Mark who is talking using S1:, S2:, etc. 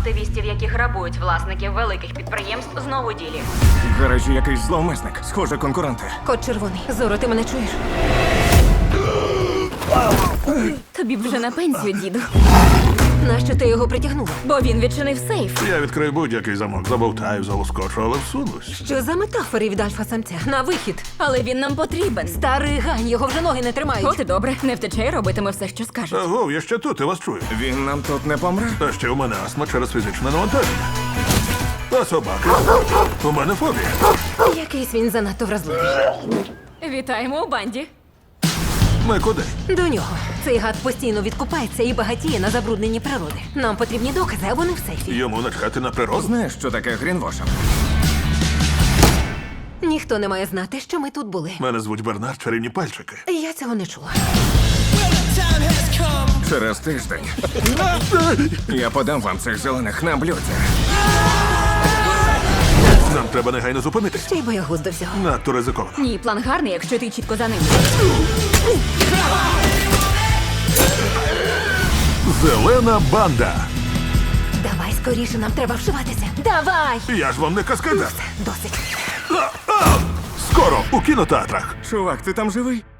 S1: активістів, які грабують власників великих підприємств, знову у ділі.
S2: В гаражі якийсь зловмисник. Схоже, конкуренти.
S3: Кот червоний. Зоро, ти мене чуєш?
S4: Тобі б вже на пенсію, діду.
S3: Нащо ти його притягнула?
S4: Бо він відчинив сейф.
S5: Я відкрию будь-який замок, забовтаю, залоскочу, але всунусь.
S3: Що за метафори від альфа-самця? На вихід.
S4: Але він нам потрібен.
S3: Старий гань, його вже ноги не тримають.
S4: От і добре, не втече і робитиме все, що скажуть.
S5: Аго, я ще тут, я вас чую.
S2: Він нам тут не помре?
S5: А ще у мене астма через фізичне навантаження. А собаки? У мене фобія.
S3: Якийсь він занадто вразливий.
S4: Вітаємо у банді.
S5: Ми куди?
S3: До нього. Цей гад постійно відкупається і багатіє на забрудненні природи. Нам потрібні докази, а вони в сейфі.
S5: Йому начхати на природу?
S2: Знаєш, що таке грінвошинг?
S3: Ніхто не має знати, що ми тут були.
S5: Мене звуть Бернард, чарівні пальчики.
S3: Я цього не чула.
S2: Через тиждень. Я подам вам цих зелених на блюдці.
S5: Нам треба негайно зупинитись.
S3: Ще й боягуз до всього.
S5: Надто ризиковано.
S4: Ні, план гарний, якщо ти чітко за ним.
S5: Зелена банда.
S3: Давай скоріше, нам треба вшиватися. Давай!
S5: Я ж вам не каскадер.
S3: Досить.
S5: Скоро у кінотеатрах.
S2: Чувак, ти там живий?